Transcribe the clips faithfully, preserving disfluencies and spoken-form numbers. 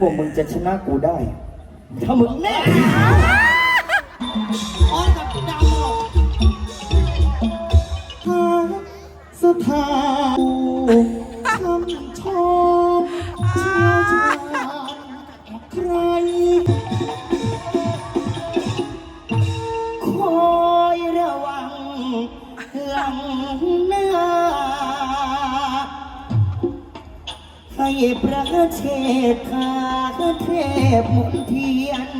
วกมึงจะชนะกูได้ ถ้ามึงแน่อ้อนกับดาวหาสถานคำชมเชื่อชาใครคอยระวังหลังหน้าให้ประเทศทาเทพมุนเทียน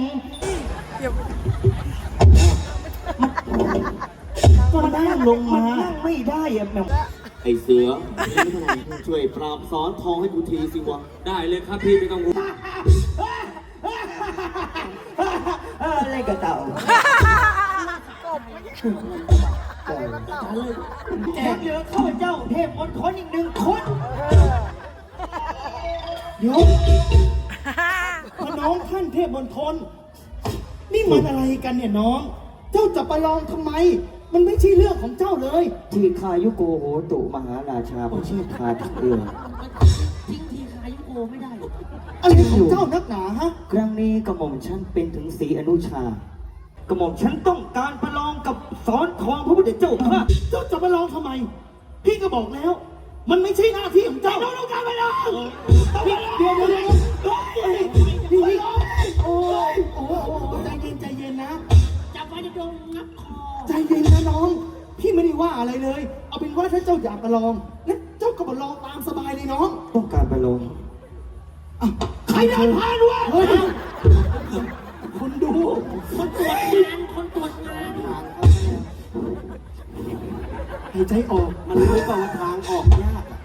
ก็นั่งลงมานั่งไม่ได้อะแม่ไอเสือช่วยปราบสอนทองให้กูทีสิวะได้เลยครับพี่ไม่ต้องห่วงอะไรกับเต่าแจกเหลือข้าพเจ้าเทพมนทนอีกหนึ่งคนเดี๋ยวน้องท่านเทพมนทนนี่มันอะไรกันเนี่ยน้องเจ้าจะประลองทำไมมันไม่ใช่เรื่องของเจ้าเลยทีคายุโกโหตุมหาราชาผู้ชื่อทาทักเรือทิ้งทีคายุโกไม่ได้อะไรของเจ้านักหนาฮะครั้งนี้กระหม่อมฉันเป็นถึงศรีอนุชากระหม่อมฉันต้องการประลองกับสอนทองพระพุทธเจ้าข้าเจ้าจะประลองทำไมพี่ก็บอกแล้วมันไม่ใช่หน้าที่ของเจ้าเราต้องการประลองเดี๋ยวเดี๋ยวเดี๋ยวนี่โอ้ยโอ้โหใจเย็นใจเย็นนะจับไว้จะโดนงับคอใจเย็นนะน้องพี่ไม่ได้ว่าอะไรเลยเอาเป็นว่าถ้าเจ้าอยากประลองงั้นเจ้าก็ประลองตามสบายเลยน้องต้องการประลองใครเดินผ่านวะคนดูคนตรวจงานคนตรวจงานหายใจออกมันรู้เปล่าว่าทางออกยาก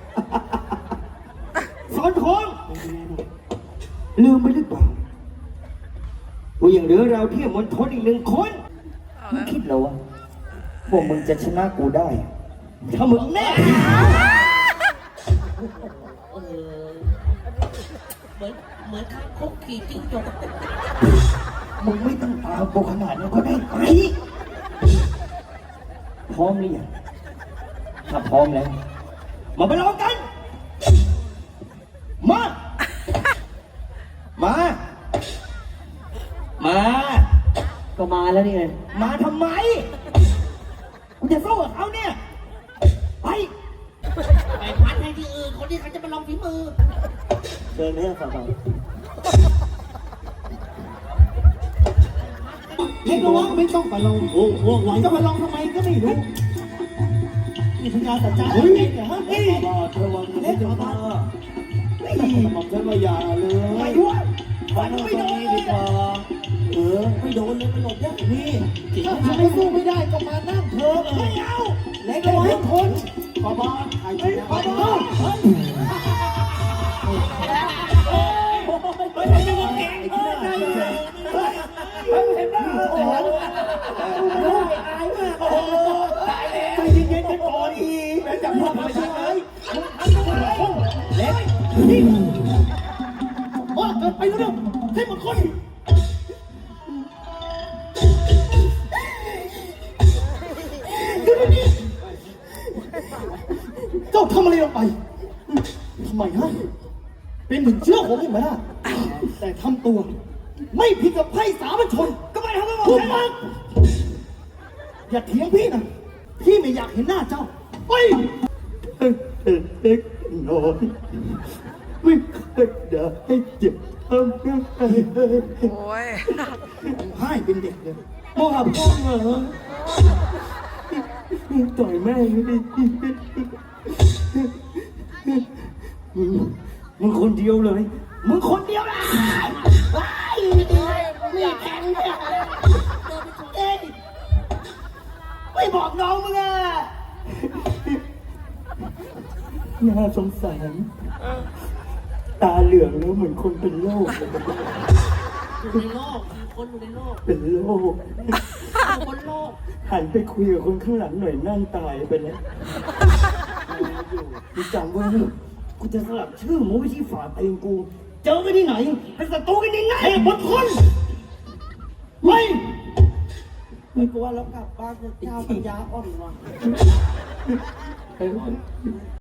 สอนทองลืมไปหรือเปล่าว่าอย่างเหลือเราเที่ยวมนทนอีกหนึ่งคนมึงคิดเหรอวะพวกมึงจะชนะกูได้ ถ้ามึงแน่เหมือนเหมือนข้างคุกขี่จิ้งจกมึงไม่ต้องตามกูขนาดนั้นก็ได้ไปพร้อมหรือยังถ้าพร้อมแล้วมาไปลองกันมามามาก็มาแล้วนี่ไงมาทำไมกูจะสู้กับเขาเนี่ยไปไปพัดให้ที่อื่นคนที่เขาจะมาลองฝีมือเดินไม่ได้ฝ่าไปให้ระวังไม่ต้องไปลองโอ้โหไหวจะมาลองทำไมก็ไม่รู้นี่พญาสัจจาเฮ้ยเนี่ยฮะเฮ้ยระวังเล่นระวังไม่บอกฉันว่าอย่าเลยไม่ด้วยฟันไม่โดนดีกว่าเออไม่โดนเลยไม่หลบยากนี่ถ้าทำให้สู้ไม่ได้ก็มานั่งเถอะไม่เอาเล็กเลยทุกคนขอบอลไอ้ขอบอลเฮ้ยเฮ้ยไม่ได้ว่าเก่งเฮ้ยเฮ้ยเห็นไหมโอ้ยอายมากโอ้ยใจเย็นๆกันก่อนอีกแล้วจับพ่อมาใช่ไหมเล็กนี่โอ้เกิดไปแล้วให้หมดคนเจ้าทำอะไรลงไปทำไมฮะเป็นถึงเชื้อของผมไหมล่ะแต่ทำตัวไม่ผิดกับไพร่สามัญชนก็ไม่ทำให้ผมใช่อย่าเถียงพี่นะพี่ไม่อยากเห็นหน้าเจ้าไปเด็กน้อยไม่เคยด่าให้เจ็บทำให้โอ้ยให้เป็นเด็กเลยโมหะพ่อเหรอต่อยแม่ไม่ได้มึงมึงคนเดียวเลยมึงคนเดียวนะไม่แข็งเลยเอ้ยไม่บอกน้องมึงอ่ะน่าสงสารตาเหลืองแล้วเหมือนคนเป็นโรคอยู่ในโลกคนอยู่ในโลกเป็นโรคคนโลกหันไปคุยกับคนข้างหลังหน่อยนั่งตายไปแล้วกูจำไว้กูจะสลับชื่อมูวิธีฝาเองกูเจอกันที่ไหนเป็นศัตรูกันยังไงบนคนไม่ไม่กลัวแล้วกลับบ้านเจ้าปัญญาอ่อนวะ